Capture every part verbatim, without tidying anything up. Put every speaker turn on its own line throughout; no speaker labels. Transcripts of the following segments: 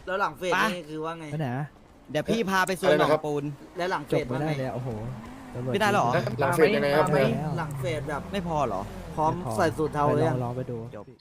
แล้วหลังเฟสนี่คือว่าไง
ไปไหน
เดี๋ยวพี่พาไปสวนหนองปูน
แล้วหลังเฟ
จบ
ส
ไม่
ว่า
ได้
ไง
เลยโอ้โหตำรวจ
ไม่ได้หรอ
หลังเฟสยังไงครับ
หลังเฟสแบบ
ไม่พอเหรอ
พร้อมใส่สูตรเทา
ไป
เลย
ล
ยั
อง งลองไปดู
จบ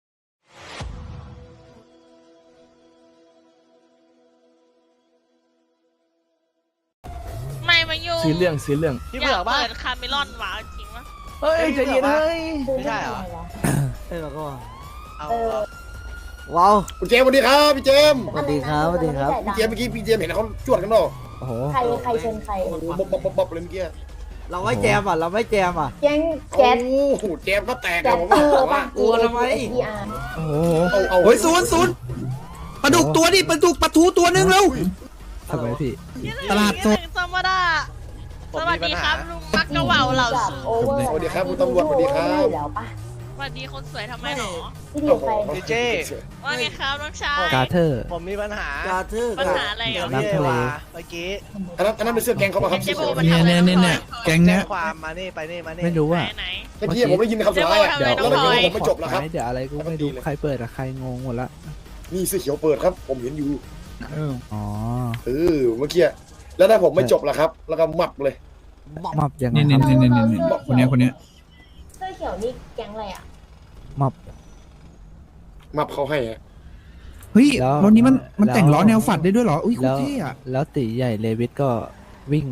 ไม่มายุ่ง
ซื้อเรื่องซื้อเรื่อง
อยากเปิดคาเมลอนหวานจริงปะ
เฮ้ยใจเย็นเฮ้ย
ไม่ใช่เหรอ
เอ้ยแล้วก็
เอา
ว้าว
คุณเจมส์สวัสดีครับพี่เจมส์
สวัสดีครับสวัสดีครับ
พี่เจมส์เมื่อกี้พี่เจมส์เห็นเขาจวดกันเปล่า
โอ้โห
ใครใครเชิญใคร
โอ้โหบ๊อบบ๊อบบ๊อบบ๊อบเลยเมื่อกี้
เราไม่แจมอ่ะเราไม่แจมอ่ะ
แก๊งแก๊ส
โอ้โหเจมส์ก็แตก
แก๊
อะ
ส
ผม
เอ
บอก
อ
ว่า
บาง
กลัวทำไม
พีอาร์
โอ้โห
เอาเอา
เฮ้ยศูนย์ศูนย์ปลาดุกตัวดิปลาดุกปลาทูตัวหนึงแล้ว
ทำไมพี่
ตลาดสด
ธรรมดาสวัสดีครับลุงมักกะเหว่าเหล่า
จาก
สู
โอเวอร์
สวัสดีครับคุณตำรวจสวัสดีครับ
ได้อยู่แล้วปะ
สวัสดีคนสวยทำไมหรอ
พี่ดิวใคร
พี่เจ
ว่าไงครับน้องชาย
กาเทอร์
ผมมีปัญหาก
าทือ
ปัญ
กับ
หาอะไรเหรอ
น้ำทะเล
เมื่อกี้
อันนั้นอันนั้นเป็นเสื้อแกงเขาป่ะครับ
เจโบมัน
เนี่ย
ทำอะไร
เนี่ยเนี่ย แก๊งเนี้ย
น้อ
ความมานี่ไปนี่มานี่
ไม่รู้
ไหน
อ่ะ
ไหน
เมื่อกี้ผมได้ยินคำสุดท้ายอะ
เดี๋ยว
แล้วเมื่อกี้ผมไม่จบแล้วครับ
เดี๋ยวอะไรกูไม่รู้ใครเปิดอะใครงงหมดละ
นี่เสื้อเขียวเปิดครับ ผมเห็นอยู่
อ๋อ
เออเมื่อกี้แล้วถ้าผมไม่จบล่ะครับ แล้วก็มับเลย
มับยังไง
นี่
ค
นี่
รับ
นี่นี่นี่คนเนี้ยคนเนี้ย
เสื้อเขียวนี่แก๊งอะไรอ่ะ
มับ
มับเขาให้อะ
เฮ้ย
แล้ว
รถนี้มันมัน
แล้ว
แต่งล้อแนวฝัดได้ด้วยเหรออุ้ยโคต
แล้
ร
ว
เท่อะ
แล้วตีใหญ่เลวิสก็วิ่ง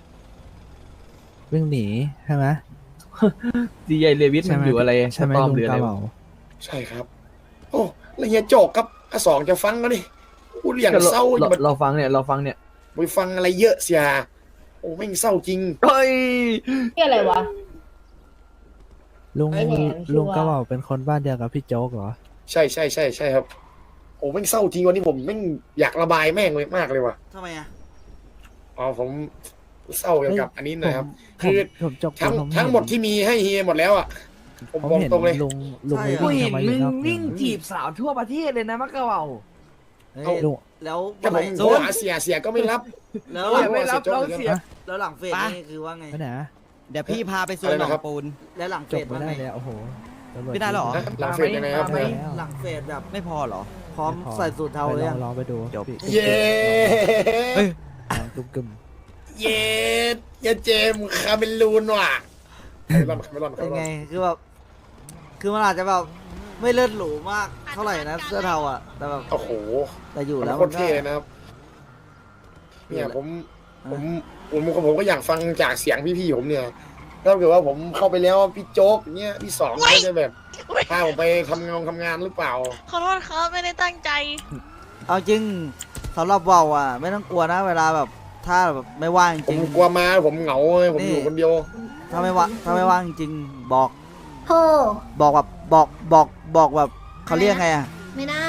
วิ่งหนีใช่ไหม
ดีไอเลวิสมันอยู่อะไร
ใช่ไหม
ปลอม
ลุง
หรืออะ
กา
ไร
เหมา
ใช่ครับ โอ้แล้วเฮียโจกครับอาสองจะฟังก็ดิพูดอย่าง
ก็
เศร้าอย่า
เรา
มา
เราฟังเนี่ยเราฟังเนี่ย
ไปฟังอะไรเยอะเสียโอ้แม่งเศร้าจริง
เฮ้ย
นี่อะไรวะ
ลุง
ไอ้แหนมชื่อว่า
ลุงกาเหมาเป็นคนบ้านเดียวกับพี่โจ๊กเหรอ
ใช่ใช่ใช่ใช่ครับโอ้แม่งเศร้าจริงวันนี้ผมแม่งอยากระบายแม่งเลยมากเลยว่ะ
ทำไมอ่ะ
อ๋อผมเศร้าเกี่ยวกับอันนี้หนะครับ
ผม
คือ
ผมจบ
ทั้ง
ผม
ทั้งหมดที่มีให้เฮียหมดแล้วอ่ะผม
ผม
บอก
เห็น
ตรงเลย
ลุงลุงไม่
กู
วิ่ง
เห็น
ทำไมอ
มึ
ยู่
ง
นอก
วิ่งจีบสาวทั่วประเทศเลยนะมักกะเหว่า
เฮ้ย
ลุง
แล้ว
ก็
เมื่อ
ผ
ไหร่
มโทรหาเสียเสียก็ไม่รับ
แล้ว
โอ้ยไม่รับเราเสีย
แล้วหลังเฟสนี่คือว่าไง
ไปไหน
เดี๋ยวพี่พาไปสวนหนองปูน
แล้วหลังเฟ
จบ
ส
ไม่
ว่า
ได้
ไง
เลยโอ้โหตำรวจ
ไม่ได้หรอ
นะหลังเฟซยังไงครับ
ไม่
หลังเฟสแบบ
ไม่พอเหรอ
พร้อมใส่สูตรเทา
ไป
เลย
ลอ
ยัง ง
ลองไปดู
จบ
พี่
เย้
เฮ้ย
ลองกึ่ม
เย้เย้เจมส์คาเมลูนว่ะคาเมลอนคาเมลอนคา
เป็น
เมลอ
ไง
น
คือแบบคือมันอาจจะแบบไม่เลิศหรูมากเท่าไหร่นะเสื้อเทาอ่ะแต่แบบ
โอ้โห
แต่อยู่
มัน
แล้ว
โค
มั
ต
น
ร
ก็
เท่เลยนะครับเนี่ยผมผมผมผมก็อยากฟังจากเสียงพี่ๆผมเนี่ยถ้าเกิดว่าผมเข้าไปแล้วพี่โจ๊กเนี่ยพี่สองเขาจะแบบพาผมไปทำงานทำงานหรือเปล่า
ขอโทษครับไม่ได้ตั้งใจ
เอาจริงสำหรับเบาอ่ะ ไม่ต้องกลัวนะเวลาแบบถ้าแบบไม่ว่างจ
ผม
ริง
กลัวมาผมเหงาเลยผมอยู่คนเดียว
ถ้าไม่ว่างถ้าไม่ว่างจริงบอก
โธ่
บอกแบบบอกบอกบอกแบบเขาเรียกไงอ่ะ
ไม่ได้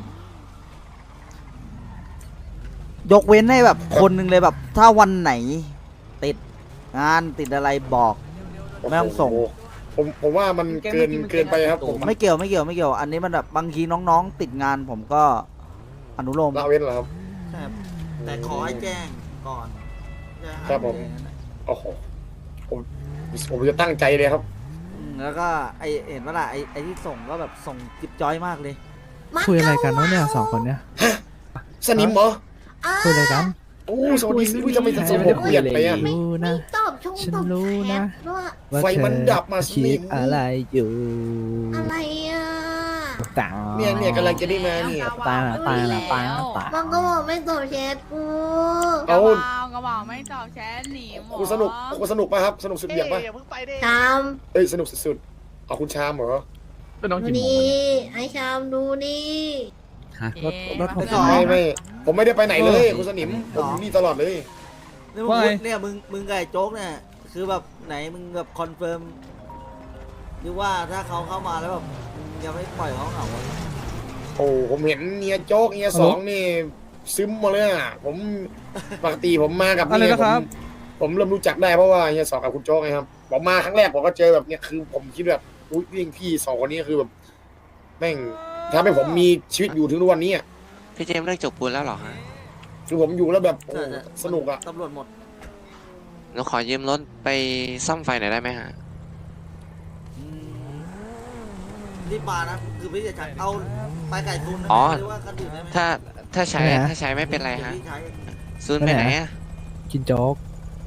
ยกเว้นให้แบบคนหนึ่งเลยแบบ ถ้าวันไหน ติดงานติดอะไรบอก ไม่ต้องส่ง
โโหผมผมว่ามันเกินเกินไปครับผม
ไม่เกี่ยวไม่เกี่ยวไม่เกี่ยว อันนี้มันแบบบางทีน้องๆ ติดงานผมก็อนุโลม
ละเว้นเหรอครับ
ใช่ครับแต่ขอให้แจ้งก่อน
ครับผม โอ้โหผมผมจะตั้งใจเลยครับ
อืมแล้วก็ไอเห็นว่าล่ะไอไอที่ส่งก็แบบส่งจิบจอยมากเลย
คุยอะไรกันวะเนี่ยสองคนเนี้ย
สนิมเหรอ
คุยอะไรกัน
โอ้สวัสดีอุ้ยทำไมสมผมเปลี่ยนไปอ่ะ
รู้นะ
ตอบชง
ฉัน
ตอบ
รู้
แช
นะ
ทว่า
ว่า
ไฟ
เธอ
มันดับมาส
คิ
นิ
ด
ม
อะไรอยู่
อะไรอ่ะ
ตา
เนี่ยเนี่ยกำลังจะได้มาเนี่ย
ตาตาตาตาตา
บางก็บอกไม่ตอบแชทกู
เอา
กระเป๋าไม่ตอบแชทหนีหมอ
คุณสนุกคุณสนุกป่ะครับ สนุกสุดเบี่ยงป่ะ
อย่าเพิ่งไปดิ
ชาม
เอ้ยสนุกสุดๆเอาคุณชามเหรอ
ก็น้อง
ดู
กินหมู
นี่ให้ชามดูนี่
รถรถผม
ไม่ไม่ผมไม่ได้ไปไหนเลยคุณสนิมผมอยู่นี่ตลอดเลย
นี่มึงพูดเนี่ยมึงมึงกับไอ้โจ๊กเนี่ยคือแบบไหนมึงแบบคอนเฟิร์มหรือว่าถ้าเขาเข้ามาแล้วแบบมึงยังไม่ปล่อยเขาเหงาอะ
โอ้ผมเห็นเนียโจ๊กเนียสองนี่ซึมมาเลยอ่ะผมปกติผมมากับนี่ผมผมเริ่มรู้จักได้เพราะว่าเนียสองกับคุณโจ๊กไงครับผมมาครั้งแรกผมก็เจอแบบเนี้ยคือผมคิดแบบอุ้ยพี่พี่สองคนนี้คือแบบแม่งทำให้ผมมีชีวิตอยู่ถึงทุกวันนี้อ่ะ
พี่เจมส์เลิกจบปูนแล้วเหรอฮะ
คือผมอยู่แล้วแบบโอ้
ใช่ใช่
สนุกอ่ะ
ตำรวจหมด
หนูขอยืมรถไปซ่อมไฟหน่อยได้ไหมฮะ
อืมรีบมานะคือพี่จะจัดเอาไปไก่ตุนนะ
อ๋อ
หรือว่าคันอื่นได้ไหม
ถ้าถ้าใช้
ไหนอะ
ถ้าใช้ไม่เป็นไรฮะ
ที่ใช้
ซูนไปไหนอะ
กินโจ๊ก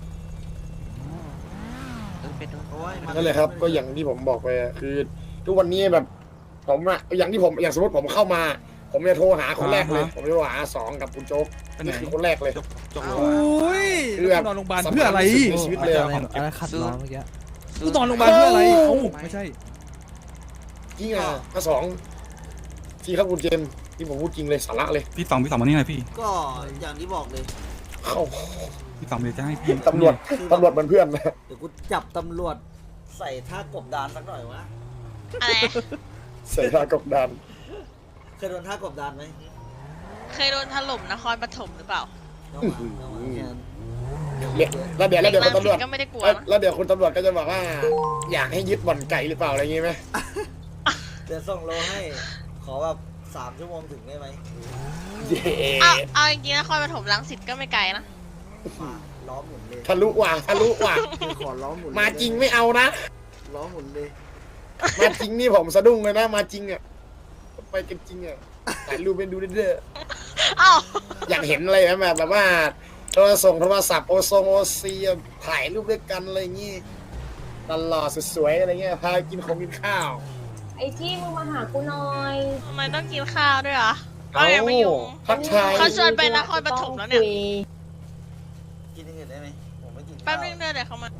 เออไปดู
โอ้ยมัน
นั่นแหละครับ ก็อย่างที่ผมบอกไปอะคือ ทุกวันนี้แบบผมอะอย่างที่ผมอย่างสมมติผมเข้ามา ผมจะโทรหาคนแรกเลย ผมจะโทรหาสองกับคุณโจ๊กนี่คือคนแรกเลย
โอ้ย
คือแบบ
นอนโรงพยาบาลเพื่ออะไร
ในชีวิตเลยอะ
อะไรขัดล้อเมื่อกี้
กูนอนโรงพยาบาลเพื่ออะไรเอ้าไม่ใช่
จริงอ่ะอ่ะสองที่ครับคุณเจมส์ที่ผมพูดจริงเลยสาระเลย
พี่สองพี่สองมานี่หน่อยพี่
ก็อย่างที่บอกเลย
เข้า
พี่สองเดี๋ยวจะให้พี่
ตำรวจตำรวจเป็นเพื่อนนะ
เดี๋ยวกูจับตำรวจใส่ท่ากบดานสักหน่อยวะ
อะไร
ใส่ท่ากบดาน
เคยโดนท่ากบดานไหม
เคยโดนถล่มนครปฐมหรือเปล่า
น้องหมาน้องหมาแค่นั้น
เนี่ยแล้วเดี๋ยวแล้วเดี๋ยวคุณตำรวจ
ก็ไม่ได้กลัว
แล้ว
นะ
แล้วเดี๋ยวคุณตำรวจก็จะบอกว่า อยากให้ยึดบ่อนไก่หรือเปล่าอะไรอย่างงี้ไหม
เดี๋ยวส่งโลให้ ขอแบบสามชั่วโมงถึงได้ไหม
เย้
เอาเอาจริงๆนครปฐมรังสิตก็ไม่ไกลนะ
มาล้อหมุนเลย
ทะลุว่ะทะลุว่ะ
คือขอล้อหมุนเลย
มาจริงไม่เอานะ
ล้อหมุนเลย
มาจริงนี่ผมสะดุ้งเลยนะ มาจริงอ่ะไปกันจริงอ่ะถ่ายรูปเป็นดูเด้อ
เอ้า
อยากเห็นอะไรแบบแบบว่าโทรส่งโทรศัพท์โอซงโอซีถ่ายรูปด้วยกันอะไรอย่างงี้ตลอดสวยๆอะไรเงี้ยพากินของกินข้าว
ไอ้ที่มึงมาหากูหน่อย
ทำไมต้องกินข้าวด้วยเหรอก็ยังไม่อยู่
ทักทาย
เขาชวนไปนครปฐมแล้วเนี่ย
กินอย่างอื่นได้ไหมผมไม่กินข้าว
แป๊บนึงเดี๋ยวเดี๋ยวเขามา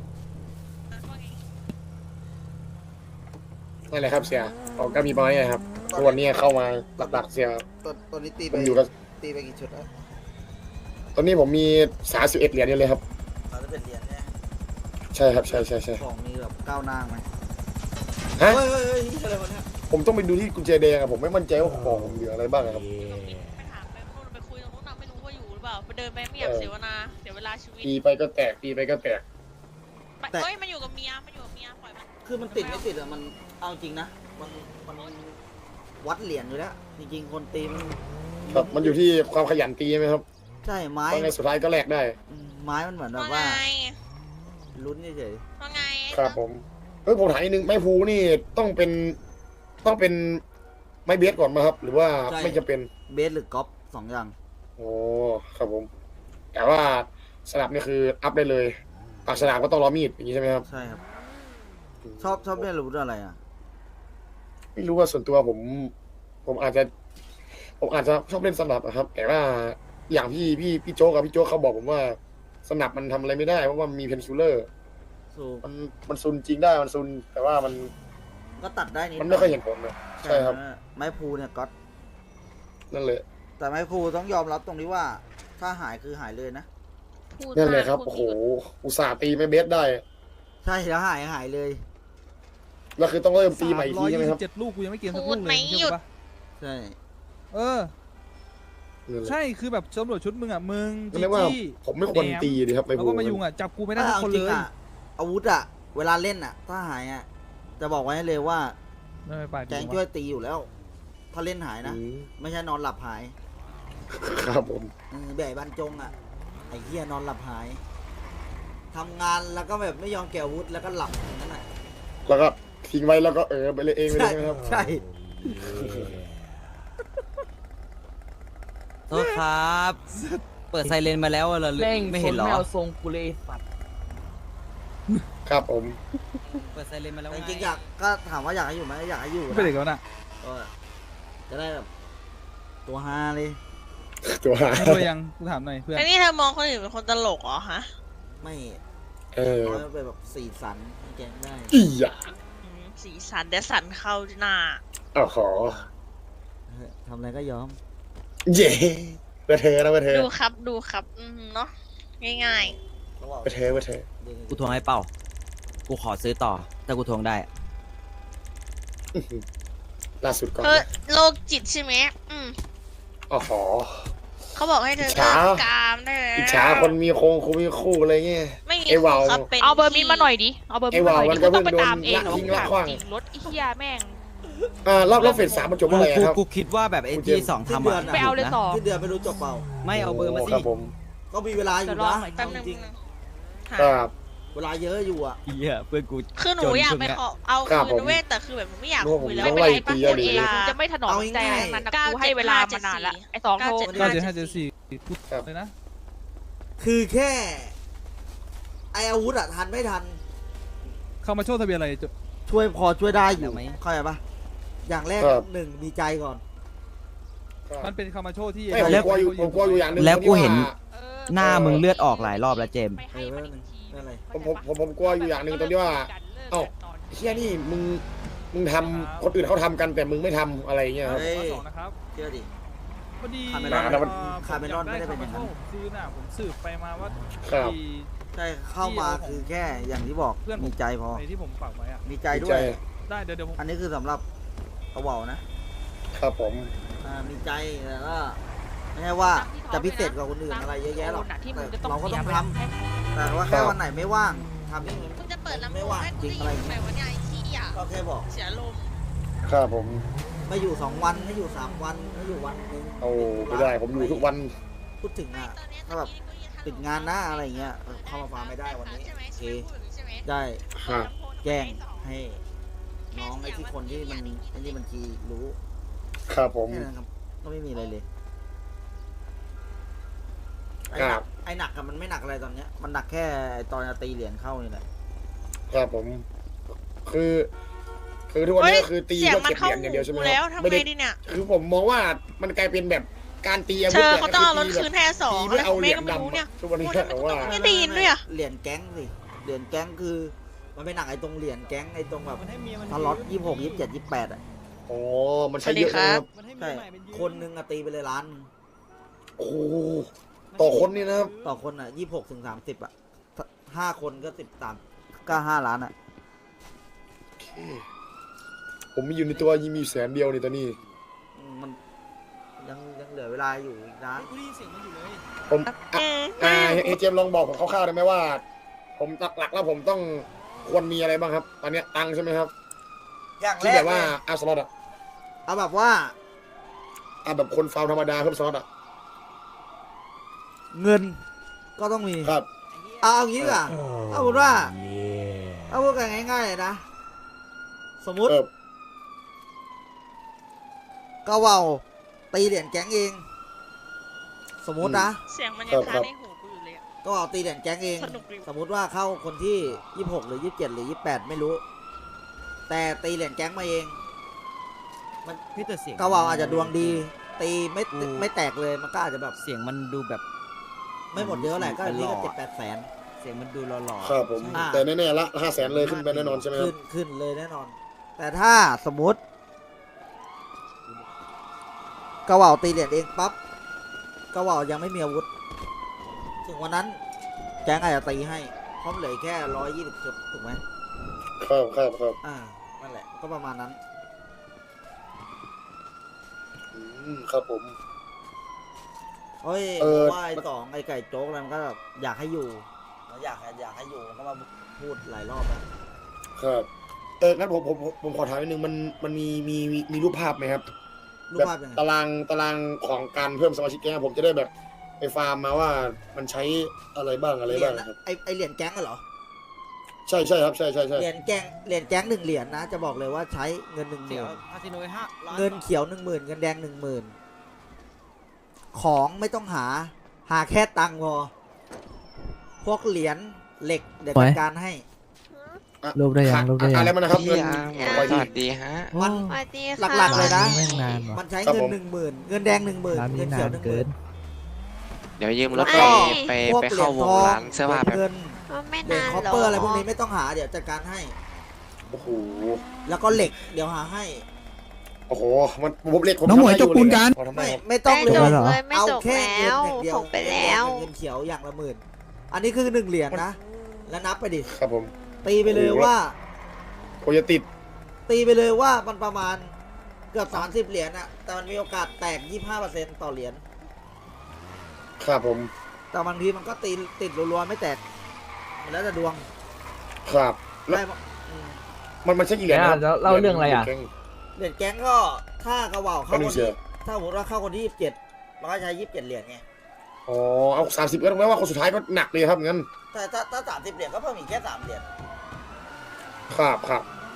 นั่นแหละครับเสียผมก็มีประมาณนี้ครับทุกวันนี้เข้ามาหลักๆเสีย
ตัวตัวนี้ตี
ผ
ไป
มอยู่กับ
ตีไปกี่ชุดแล้ว
ตอนนี้ผมมีสามสิบเอ็ดเหรียญอยู่เลยครับ
สามสิบเอ็ดเหรียญเนี่ย
ใช่ครับใช่ใช่ใช่
ของมีแบบก้าวหน้าไหม
ฮะ
เฮ้ยเฮ้ยเฮ้ยนี่อะไรวะเนี่ย
ผมต้องไปดูที่กุญแจแดงอะผมไม่มั่นใจว่าของผมเหลืออะไรบ้างอะครับ
ไปถามไปพูดไปคุยตรงนู้นนะไม่รู้ว่าอยู่หรือเปล่าไปเดินไปไม่อยากเสียเวลาเสียเวลาชีวิต
ตีไปก็แตกตีไปก็แตก
ไปเฮ้ยมันอยู่กับเมียมันอยู่กับเมียปล่อยมัน
คือมันติดไม่ติดอะมันเอาจริงนะมันมันวัดเหรียญอยู่แล้วจริงๆคนตีมัน
ครับมันอยู่ที่ความขยันตีไหมครับ
ใช่ไม้
เพราะไงสุดท้ายก็แลกได้
อืมไม้มันเหมือนแบบ
ว่า
ว่า
ไง
ลุ้นเฉย
ว่าไง
ครับผมเฮ้ยผมถามนิดนึงไม้ภูนี่ต้องเป็นต้องเป็นไม้เบสก่อนมาครับ หรือว่าไม่จะเป็น
ๆเบสหรือกอล์ฟสองอย่าง
โอ้ครับผม แต่ว่าสลับนี่คืออัพได้เลยปากฉลามก็ต้องรอมีดอย่างนี้ใช่ไหมครับ
ใช่ครับ ชอบชอบเล่นอาวุธอะไรอ่ะ
ไม่รู้ว่าส่วนตัวผม ผมอาจจะ ผมอาจจะชอบเล่นสนับอะครับ แต่ว่าอย่างพี่พี่พี่โจ๊กกับพี่โจ๊กเขาบอกผมว่าสนับมันทำอะไรไม่ได้เพราะว่ามันมีเพนซูลเลอร์
สูบ
มันมันซุนจริงได้มันซุน แต่ว่ามัน
ก็ตัดได้นิด
มันไม่ค่อยเห็นผลนะใช่ครับ
ไม้พูเนี่ยก็อต
นั่นเลย
แต่ไม้พูต้องยอมรับตรงนี้ว่า ถ้าหายคือหายเลยนะ
พูด
นั่นเลย
มาก
ครับ
พูด
โอ้โห
ไม่หยุด
อุตส่าห์ตีไม่เบสได้
ใช่แล้วหายหายเลย
แล้วคือต้องเริ่มตีใหม่อีกทีใช่ไหมครับ
เจ็ดลูกกูยังไม่เกมสัก
พู
ลู
ด
กเล
ไม่
ย
หยุด
ใช่ปะ
ใช่
เออ
นั่นแหละ
ใช่คือแบบตำรวจชุดมึงอ่ะมึง
ก็
จี
เรียกว่า
จี้
ผมไม่ควรตีดีครับไม่
แล้ว
พู
ก็มายุงอ่ะจับกูไม่ได้ทุก
ถ้า
คน
เอาจริ
เล
ง
ย
อ่ะอาวุธอ่ะ เวลาเล่นอ่ะ ถ้าหายอ่ะ จะบอกไว้ให้เลยว่า
ไม่ไป
แกงช่วยตีอยู่แล้ว ถ้าเล่นหายนะ
อืม
ไม่ใช่นอนหลับหาย
ครับผม
เออแบบบรรจงอ่ะ ไอ้เหี้ยนอนหลับหายทำงานแล้วก็แบบไม่ยอมแกะอาวุธแล้วก็หลับอย่างนั้นแหละ
แล้วก็ทิ้งไว้แล้วก็เออไปเลยเองไปเลยใช่ไหมครับ
ใช่
โทษครับ เปิดไซเรนมาแล้วเหรอ
แม่ง
ไม่เห็นเหรอ
ไม่เอาทรงกูเลยสัตว์
ครับผม
เปิดไซเรนมาแล้ว
แต่จ
ไง
ริงๆอยากก็ถามว่าอยากให้อยู่ไหมอยากให้อยู่
เป็นเด็ก
นะ
แล้วน่ะ
ก็จะได้แบบตัวฮาเลย
ตัวหา
มึงตัวยังกูถามหน่อยเพื่อน
ไอ้นี่เธอมองคนอื่นเป็นคนตลกเหรอฮะ
ไม่
เออ
ร้อยเป็นแบบสีสันให้แกงได้
อีหยา
อืมสีสันเดี๋ยวสันเข้าหน้า
อ้าวขอ
เออทำอะไรก็ยอม
เย่ไปเธอนะไปเธอ
ดูครับดูครับอืมเนาะง่าย
ระหว่าง
ไปเธอไปเธอ
กูทวงให้เปล่า กูขอซื้อต่อ ถ้ากูทวงได้
อื้อหือล่าสุดก่อ
ๆ
น
เธอโรคจิตใช่ไหมอืม
อ๋อขอ
เขาบอกให้เธอ
อิจฉา
เลิกกามได้แล้ว
อิจฉาคนมีโคงคนมีคู่อะไรเงี้ย
ไม่มี
ไอ้วาว
ครับเป็น
เอาเบอร์มินมาหน่อยดิ เอาเบอร์มินมาหน่อย
ไอ้
ดิ
วาวมันก็
ต้องไป
เพิ่ง
ตามเอง
โดน
เหรอ
ทิ้งละขว้าง
จริงรถไอ้เหี้ยแม่ง
อ่ารอบรอบเฟสสามมันจบเมื่อไหร่
กู
ครับ
กูคิดว่าแบบไอ้
กูเจ
ที่
ม
สอง
สิ้น
ทำ
เดือ
อ่ะ
น
ไปเอาเลยต่อ
ที่เดือนไม่รู้จบเปล่า
ไม่เอาเบอร์มาสิ
ครับผม
ก็มีเวลาอยู่
เดี๋ยวรอ
นะ
หน่อย
แป๊บ
เอา
นึง
จริง
หา
ครับ
เวลาเยอะอยู่อ่ะ
เหี้ยเพื่อนกู
คือหนูอยากไปขอเอาคืนนะเว้ยแต่คือแบบหนูไม่อยากคุยแล้ว
ไม่
ไม่
เป็น
เป็น
ไร
ไร
ปะ
ปะ
กดเอง
จะไม่ถนอมใจอะไรทั้งนั้นนะกูให้เวลามานานแล้วไอ้สองโทร
เก้าเจ็ดห้าเจ็ดสี่พูดเลยนะ
คือแค่ไออาวุธอะทันไม่ทัน
เข้ามาโชว์ทะเบียนอะไรจะ
ช่วยพอช่วยได้อยู่
เดี๋ยวไหม
เข้าใจปะอย่างแรก
ครับ
หนึ่งมีใจก่อน
มันเป็นคามาโชว์ที่
ไม่ผมกลัวอยู่ผมกลัวอยู่อย่างหนึ่ง
แล้วกูเห็น
ที่ว่า
หน้ามึงเลือดออกหลายรอบแล้วเจมส์
ไปให้มันอีกที
นั่นเลย
ผมผมผมผมกลัวอยู่อย่างหนึ่งตรงที่ว่า เอ้า เฮียนี่มึงมึงทำคนอื่นเขาทำกันแต่มึงไม่ทำอะไรอย่างเงี้ยครับ
เฮ้ย
สองนะครับ
เชื่อดิ
พอดี
คาเมรอน
อ่
คาเมรอนไม่ได้เป็นอย่างนั้น
ผมซื้อน่ะผมสืบไปมาว่า
ครับ
ที่
ใช่เข้ามาคือแค่อย่างที่บอก
เพื่อนผม
มีใจพอ
ในที่ผมฝากไว้อะ
มีใจด้
มี
ว
ใจ
ย
ได้เดี๋ยวเดี๋ยวผม
อันนี้คือสำหรับเอาเบานะครับ
ผม
อ่ามีใจแต่ก็ไม่ใช่ว่าจะพิเศษกว่าคนอื่นอะไรเยอะแยะหรอก
ที่มึ
แต่
งจะต้อง
เราก็ต้อง
เสีย
ทำ
ไปให้
แต่ว่าแค่วันไหนไม่ว่างทำนี่
มึงจะเปิดลำโพ
ไม่
ง
ว่าง
ให้
จ
กู
ริง
ได้
อะไร
ยินไหม
เงี้ย
วะเนี่ยไอ้ขี้อ่ะ
ก็แค่บอก
เสียลมณ์
ครับผม
ไม่อยู่สองวันไม่อยู่สามวันไม่อยู่วันหนึง
โอ้ไม่ได้ผมอยู่ทุกวัน
พูดถึงอ่ะ ถ้าแบบ ติดงานหน้าอะไรเงี้ยเออเข้ามาฟาร์มไม่ได้วันนี้โอเคได้
ครับ
แจ้งให้น้องไอ้ที่คนที่มันไอ้นี่บัญชีรู้
ครับผม
แค่นั้นครับก็ไม่มีอะไรเลยไอ้
ค
ห
รั
นั
บ
กไอ้หนักอะมันไม่หนักอะไรตอนเนี้ยมันหนักแค่ไอ้ตอนจะตีเหรียญเข้านี่แหละ
ครับผม คือ คือทุกวันนี้
เฮ้ย
คือตี
เสียง
เพื่อ
มัน
เก็บ
เข้า
เหรียญอย่างเดียวใช่ไหม
หู
ค
แล้
รั
ว
บ
ทำ
ไม่
ไง
ได้
ดีเนี่ย
คือผมมองว่ามันกลายเป็นแบบการตีอา
เธ
วุธ
อ
นี่ย
เขาต้องเอารถ
ตีแบบ
คืนให้สอง
ตีเพื่อเอาเหรียญ
แม่ก็ไม่รู้
ดำ
เนี่ย
อะทุกวันนี้
พูดทำไม
แต่ว่า
ไม่ได้ยินด้วยอะ
เหรียญแก๊งสิเหรียญแก๊งคือ มันไม่หนักไอ้ตรงเหรียญแก๊งไอ้ตรงแบบสล็อตยี่หกยี่สิบเจ็ดยี่สิบแปดอ่ะ
อ๋อมันใช้เยอะนะครับ
ใช่คนหนึงอะตีไปเลยล้านหนึ่ง
โอ้โหต่อคนนี่นะครับ
ต่อคนอ่ะยี่หกถึงสามสิบอ่ะห้าคนก็สิบสามก็ห้าล้านอ่ะ
ผมมีอยู่ในตัวยี่มีแสนเดียวในตอนนี้
อืมมันยังยังเหลือเวลาอยู่อีกนะ
ผมอ่ะอ่าเอเจมลองบอกผมคร่าวๆได้ไหมว่า ผมหลักๆแล้วผมต้องควรมีอะไรบ้างครับ ตอนเนี้ยตังค์ใช่ไหมครับ
อย่างแร
ที่
ก
แบบว่า
เลย
อาสล็อตอะ
เอาแบบว่า
อ่ะแบบคนฟาวธรรมดาเพิ่มสล็อตอะ
เงินก็ต้องมี
ครับ
เอาเอางี้ดีกว่าเอาพูดว่าเอาพูดกันง่ายๆเลยนะ สมมุติ
เออ
ก็เว่าตีเหรียญแก๊งเอง สมมุตินะ
เสียงมันยังค้างในหูกูอยู่เลยอะ
ก็เอาตีเหรียญแก๊งเอง
สนุกดี
สมมุติว่าเข้าคนที่ยี่สิบหกหรือยี่สิบเจ็ดหรือยี่สิบแปดไม่รู้ แต่ตีเหรียญแก๊งมาเอง มัน
พี่แต่เสียง
ก็เว่าอาจจะดวงดี ตีไม่
อืม
ไม่แตกเลยมันก็อาจจะแบบ
เสียงมันดูแบบ
ไม่หมดเยอะแหละก็อันนี้ก็
เป็นหล่อ
เจ็ดแปดแสน
เสียงมันดูหล่อๆ
ครับผม
อ่า
แต่แน่ๆละห้าแสนเลยขึ้นไปแน่นอนใช่ไหมครั
ขึ้
บ
นขึ้นเลยแน่นอน แต่ถ้าสมมติกระเหว่าตีเหรียญเองปั๊บกระเหว่ายังไม่มีอาวุธ ถึงวันนั้นแก๊งอาจจะตีให้เพราะเหลือแค่ร้อยยี่สิบจุดถูกไหม
ครับครับครับ
อ่านั่นแหละก็ประมาณนั้น
อืมครับผม
เฮ้ย
เออ
ว่าไอ้สองไอ้ไก่โจ๊กอะไรมันก็แบบอยากให้อยู่อยากอยากให้อยู่มันก็มาพูดหลายรอบแล้ว
ครับเอองั้นผมผมผมผมขอถามนิดนึงมันมันมีมีมีมีรูปภาพไหมครับ
รูป
แบบ
ภาพยังไง
ตารางตารางของการเพิ่มสมาชิกแก๊งผมจะได้แบบไปฟาร์มมาว่ามันใช้อะไรบ้างอะไร
เหรี
บ้าย ง
ญ
ครับ
ไอ้ไอ้เหรียญแก๊งอะเหรอ
ใช่ใช่ครับใช่ใช่ใช่
เหรียญแก๊งเหรียญแก๊งหนึ่งเหรียญนะ จะบอกเลยว่าใช้เงินหนึ่งห
เดี๋ย
มื่
วน คาสิโนห้าล้าน
เงินเขียวหนึ่งหมื่นเงินแดงหนึ่งหมื่นของไม่ต้องหา หาแค่ตังค์พอ พวกเหรียญเหล็กเดี๋ยวจัดการให้
รูปได้ยังรูปได้ยัง
อะไรมันนะครับ
พี่
เงิน
อาร์ม
ร้อย
ส
ยี่
วัสดีฮะ
มัน
สวัสดี
หลักๆเลยนะ
แม่งนานว่ะ
มันใช้
ครับ
เงิน
ผม
หนึ่งหมื่นเงินแดงหนึ่งหมื่น
ร้าน
เงิ
นี้
น
นา
เขีย
น
วหนึ่งห
เกิ
มื่
น
น
เดี๋ยวยืมรถ
แล้ว
ไป
ก็
ไป
พวก
ไปเข้าวงร้านเสื้อผ้า
เหรี
แบ
ยญ
บ
ทอง
ไม่
เหรียญ
นาน
คอป
หร
เปอร์อะไรพวกนี้ไม่ต้องหาเดี๋ยวจัดการให้
โอ้โห
แล้วก็เหล็กเดี๋ยวหาให้
โอ้โหมันผมเล็กผม
น้องหมวย
ทำได้
จบปูนกัน
พอทำได้
ไม่
ครับ
ไม่ต้อง
ไม่
เลย
จบ
เหรอ
เลยไม่
เอา
จบ
แค่
แล้
เงิน
ว
อย่างเดียว
ส่งไปแล้ว
เงินเขียวอย่างละหมื่นอันนี้คือหนึ่งเหรียญนะ แล้วนับไปดิ
ครับผม
ตีไปเลย
โอ้โห
ว่า
โคจะติด
ตีไปเลยว่ามันประมาณเกือบสามสิบเหรียญอะแต่มันมีโอกาสแตกยี่ห้าเปอร์เซ็นต์ต่อเหรียญ
ครับผม
แต่บางทีมันก็ตีติดรัวๆไม่แตกมันแล้วแต่ดวง
ครับแล้ว
ได้ปะอืม
มันมันใช่กี่เหรียญนะครับ
แล้วเล่าเรื่องอะไรอ่ะ
แก๊ง
เหรียญแก๊งก็ถ้ากระเหว่าเข้า
ไม่
ค
รู้
น
เชี
ที่
ยว
ถ้าสมมติว่าเข้าคนที่ยี่สิบเจ็ดเราก็ใช้ยี่สิบเจ็ดเหรียญไง
อ๋อเอาสามสิบก็ต้องแม้ว่าคนสุดท้ายก็หนักเลยครับงั้น
แต่ถ้าถ้าสามสิบเหรียญก็เพิ่มอีกแค่สามเหรียญ
ครับครับ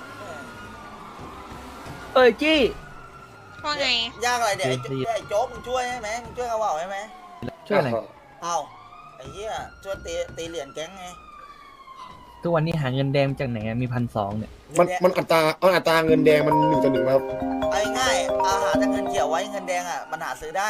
เอ้ยจี้
ว่าไง
ยากอะไรเดี๋ยวไอ้โจ๊กไอ้โจ๊กมึงช่วยใช่ไหมมึงช่วยเขาเปล่าใช่ไหม
ช่วยอะไร
เอ้าไอ้เหี้ยช่วยตีตีเหรียญแก๊งไง
ทุกวันนี้หาเงินแดงจากไหนอะมีพันสองเนี่ย
มันมันอัตราเอาอัตราเงินแดงมันหนึ่งต่อหนึ่งครับ
เอาง่ายๆอาหารจากเงินเขียวไว้เงินแดงอ่ะมันหาซื้อได้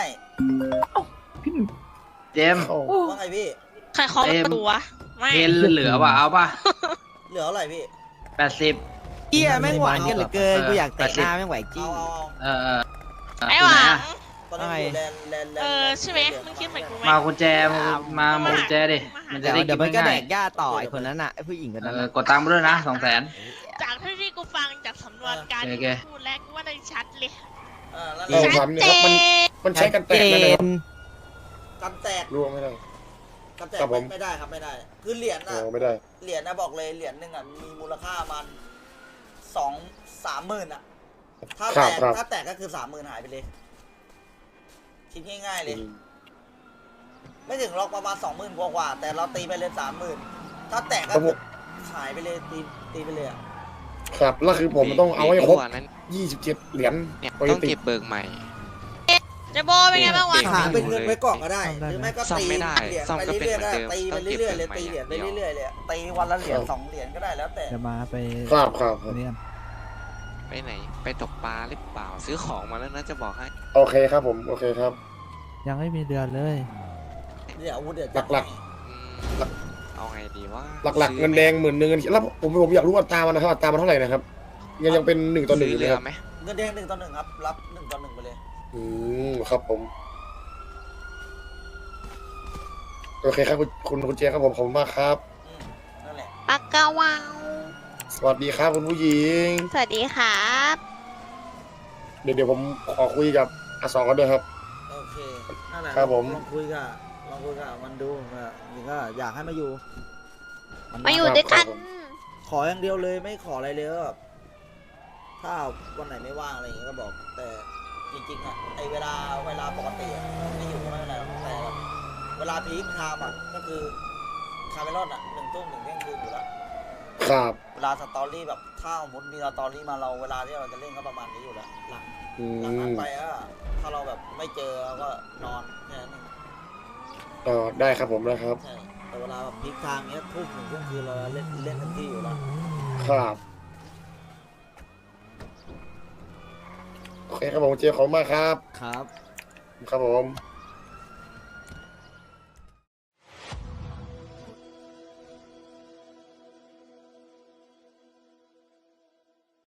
เจมส์
เข้า
ว่าไงพี่
ใครเคาะประตูวะไม่
เทนเหลือป่ะเอาป่ะ
เหลือเท่าไหร่พี่
แปดสิบ
เฮียแม่งหวานกันเหลือเกินกูอยากเตะหน้าแม่งไหวจริ
เอา
ง
เอาเอา
เออเออ
ไอ้หวัง
ตอนนี้อยู่แลนด์แลนด์แลนด์
เออใช่ไหมมึงคิดเหมือนกูไหม
มากุญแจมามามากุญแจดิมันจะ
เดี๋ยว
ได้
เดี๋
กิ
ยวน มันก็แด
ง่าย
กหญ้าต่อไอคนนั้นน่ะไอผู้หญิงคน
เอ
นั้น
อ
น่ะ
กดตังค์ไปด้วยนะสองแสน
จากที่ที่กูฟังจากสำนวนการ
โอ
ที่
เค
พูดแล้วกูว่าได้ชัดเลย
เออแล้ว
เรา
เรา
ทำเนี่ยครับมันมันใช้กันแตกได้ไหมครับ
กันแตก
ร่วงไม่ได้
กันแตก
ครับผม
ไม่ได้ครับไม่ได้ คือเหรียญ
โอ้
อ่ะ
ไม่ได้
เหรียญนะบอกเลยเหรียญหนึ่งอ่ะมีมูลค่ามันสองสามหมื่นอ่ะถ้า
ครั
แต
บ
ก
ครับ
ถ้าแตกก็คือสามหมื่นหายไปเลยคิดง่ายๆเลย ไม่ถึงหรอกประมาณสองหมื่นกว่าๆแต่เราตีไปเลยสามหมื่นถ้าแตกก็
ครับผม
หายไปเลยตีตีไปเลยอ่ะ
ครับแล้วคือผมต้องเอาให้ครบ
ดีกว่านั้น
ยี่สิบเจ็ดเหรียญ
เนี่ย
ปก
ต้อง
ติ
เก็บเบิกใหม่
เจโบเป็นไงบ้างวะ
หาเป็นเงินไว้ก่อนก็ได้ หรือไม่ก็
ซ่อม
ตี
ไม่ได้
เหรียญ
ซ่อม
ไป
ก็เป็น
เรื่อยๆก็ได้
เหมือนเดิม
ตีไป
ต้องเก็บ
เรื่อยๆเลย
เงิน
ตี
ใหม่
เหรียญไป
อย่างเดียว
เรื่อยๆเลยตีวันละเหรียญสองเหรียญก็ได้แล้วแต่
จะมาไป
ครับครับครับ
เนี่ย
ไปไหน ไปตกปลาหรือเปล่า ซื้อของมาแล้วนะจะบอกให้
โอเคครับผมโอเคครับ
ยังไม่มีเดือนเลย
เดี๋ยวอาวุธเดี๋ยว
หลัก
อืมเอาไงดีว่า
หลักๆเงินแดงหมื่นหนึ่งแล้วผมผมอยากรู้อัตรามันนะครับอัตรามันเท่าไหร่นะครับยังยังเป็นหนึ่งต่อหนึ่งอยู่ไหม
เรื
ค
อ
รับ
ไหม
เงินแดงหนึ่งต่อหนึ่งครับรับหนึ่งต่อหนึ่งไปเลย
อืมครับผมโอเคครับคุณคุณคุณเจครับผมขอบคุณมากครับ
อืมนั่นแหละ
ปากกาวาว
สวัสดีครับคุณผู้หญิง
สวัสดีครับ
เดี๋ยวเดี๋ยวผมขอคุยกับอาสองกันด้วยครับ
โอเคนั่นแหละ
ครับผม
ลองคุยกับลองคุยกับมันดูว่านี่ก็อยากให้มาอยู่น
มาอยู่ด้วยกัน
ขออย่างเดียวเลยไม่ขออะไรเลยก็แบบถ้าวันไหนไม่ว่างอะไรอย่างเงี้ยก็บอก แต่จริงๆอ่ะไอเวลาเวลาปกติอะไม่อยู่ก็ไม่เป็นไรหรอกแต่แบบเวลาพีคไทม์อ่ะก็คือคาเมลอนอ่ะหนึ่งทุ่มหนึ่งเที่ยงคืนอยู่แล้ว
ครับ
เวลาสตอรี่แบบถ้าสมมติมีสตอรี่มาเราเวลาที่เราจะเล่นก็ประมาณนี้อยู่แล้วหลัง
อื
หลังนั้น
ม
ไปก็ถ้าเราแบบไม่เจอเราก็นอนแค่นั้นเอง
เออได้ครับผมนะครับ
ใช่แต่เวลาแบบพีคไทม์เนี้ยทุ่มหนึ่งเที่ยงคืนเราเล่นเล่นทันที่อยู่แล้ว
ครับโอเคครับผมเจขอบคุณมากครับ
ครับ
ครับผม